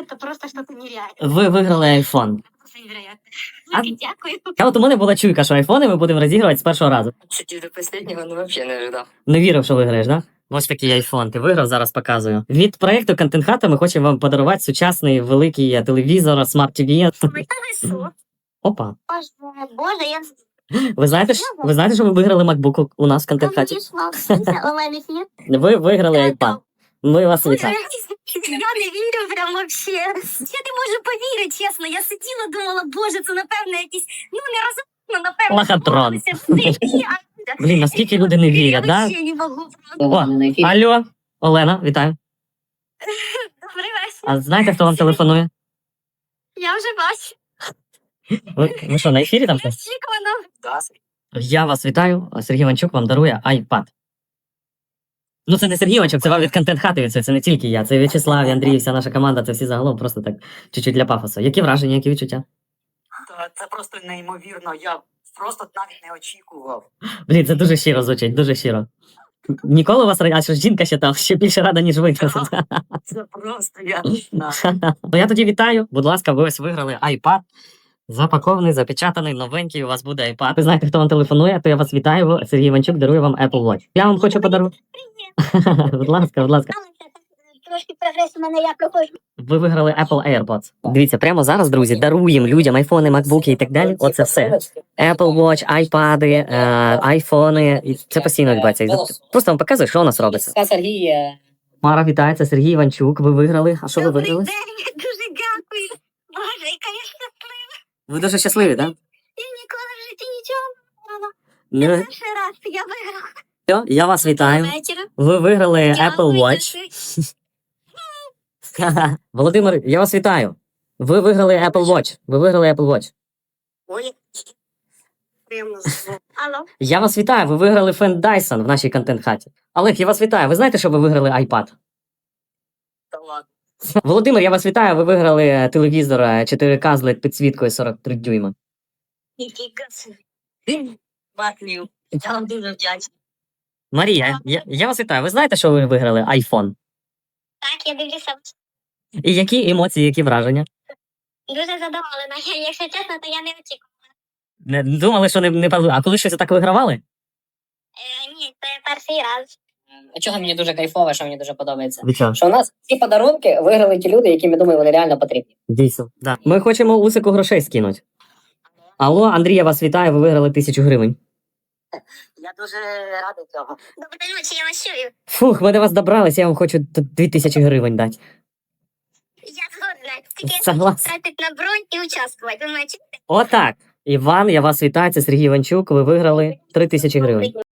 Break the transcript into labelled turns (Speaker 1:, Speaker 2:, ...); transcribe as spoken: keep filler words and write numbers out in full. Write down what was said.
Speaker 1: это просто что-то нереальное.
Speaker 2: Ви виграли айфон.
Speaker 1: Просто невероятно.
Speaker 2: А-
Speaker 1: Дуже дякую.
Speaker 2: А от у мене була чуйка, що айфони ми будемо розігрувати з першого разу.
Speaker 3: Сидів до останнього, ну взагалі не ожидав.
Speaker 2: Не вірив, що виграєш, да? Ось такий айфон. Ти виграв, зараз показую. Від проєкту Контент Хата ми хочемо вам подарувати сучасний великий телевізор, смарт-ті ві.
Speaker 1: Що?
Speaker 2: Опа.
Speaker 1: Боже, боже, я
Speaker 2: Ви знаєте, ж- ви знаєте, що ви виграли MacBook у нас в Контент Хаті?
Speaker 1: онлайн ефір.
Speaker 2: Ви виграли iPad. Ми вас
Speaker 1: Боже,
Speaker 2: вітаємо.
Speaker 1: я не вірю прям вообще. Я не можу повірити, чесно. Я сиділа, думала, боже, це напевно якісь, ну не розумно, напевно.
Speaker 2: Лохотрон.
Speaker 1: збулося.
Speaker 2: Блін, наскільки люди не вірять,
Speaker 1: Я
Speaker 2: да?
Speaker 1: вообще не можу.
Speaker 2: О, алло, Олена, вітаю.
Speaker 1: Добрий вечір.
Speaker 2: А знаєте, хто вам телефонує?
Speaker 1: Я вже бачу.
Speaker 2: Ви, ви що, на ефірі там? щось?
Speaker 1: Очікувано.
Speaker 2: Я вас вітаю. Сергій Іванчук вам дарує iPad. Ну, це не Сергій Іванчук, це вам від Контент Хати. Це, це не тільки я. Це В'ячеслав, і Андрій, вся наша команда, це всі загалом просто так чуть-чуть для пафосу. Які враження, які відчуття?
Speaker 3: Та Це просто неймовірно. Я просто навіть не очікував.
Speaker 2: Блін, це дуже щиро звучить, дуже щиро. Ніколи у вас ра- а що ж жінка ще там ще більше рада, ніж ви.
Speaker 3: Це просто я не знаю.
Speaker 2: Ну я тоді вітаю. Будь ласка, ви ось виграли iPad. Запакований, запечатаний, новенький, у вас буде iPad. Ви знаєте, хто вам телефонує, то я вас вітаю. Сергій Іванчук дарує вам Apple Watch. Я вам хочу подарувати. Будь ласка, будь ласка.
Speaker 1: Трошки прогрес у мене, я проходжу.
Speaker 2: Ви виграли Apple AirPods. Дивіться, прямо зараз, друзі, даруємо людям айфони, макбуки і так далі. Оце все. Apple Watch, айпади, е, айфони. І це постійно відбувається. І просто вам показую, що у нас робиться.
Speaker 3: Це Сергій. е,
Speaker 2: Мара, вітається, Сергій Іванчук. Ви виграли. А що ви
Speaker 1: Добрий
Speaker 2: виграли?
Speaker 1: день, дуже дякую. Боже, яка я щаслива.
Speaker 2: Ви дуже щасливі, так?
Speaker 1: Я ніколи в житті нічого не
Speaker 2: Да?
Speaker 1: робила. Перший раз я виграла.
Speaker 2: Все, я вас вітаю.
Speaker 1: Вечора.
Speaker 2: Ви виграли Apple
Speaker 1: Дякую,
Speaker 2: Watch.
Speaker 1: дякую.
Speaker 2: Володимир, я вас вітаю. Ви виграли Apple Watch. Ви виграли Apple Watch.
Speaker 3: Ой. Приємно.
Speaker 1: Алло.
Speaker 2: Я вас вітаю. Ви виграли фен Dyson в нашій контент-хаті. Олег, я вас вітаю. Ви знаєте, що ви виграли iPad?
Speaker 3: Та ладно.
Speaker 2: Володимир, я вас вітаю. Ви виграли телевізор е, чотири ка з ел і ді-підсвіткою сорок три дюйма.
Speaker 1: Який красивий.
Speaker 3: Баклів. Я вам дуже вдячний.
Speaker 2: Марія, я, я вас вітаю. Ви знаєте, що ви виграли iPhone?
Speaker 1: Так, я дивлюся.
Speaker 2: І які емоції, які враження?
Speaker 1: Дуже задоволена. Я, якщо чесно, то я не очікувала.
Speaker 2: Не думали, що не, не пали- А коли щось так вигравали?
Speaker 1: Е, ні, це перший раз.
Speaker 4: А чого мені дуже кайфово, що мені дуже подобається?
Speaker 2: Від чого?
Speaker 4: Що у нас ці подарунки виграли ті люди, які, я думаю, вони реально потрібні.
Speaker 2: Дійсно. Да. Ми хочемо Усику грошей скинути. Алло, Андрій, я вас вітаю. Ви виграли тисячу гривень.
Speaker 3: Я дуже радий цього.
Speaker 1: Доброї ночі, я вас чую.
Speaker 2: Фух, ми до вас добрались, я вам хочу тут дві тисячі гривень дати.
Speaker 1: Я згодна. Тільки я
Speaker 2: Согласен.
Speaker 1: хочу тратити на бронь і участвувати. Ви мене чуєте?
Speaker 2: Отак. Іван, я вас вітаю. Це Сергій Іванчук. Ви виграли три тисячі гривень.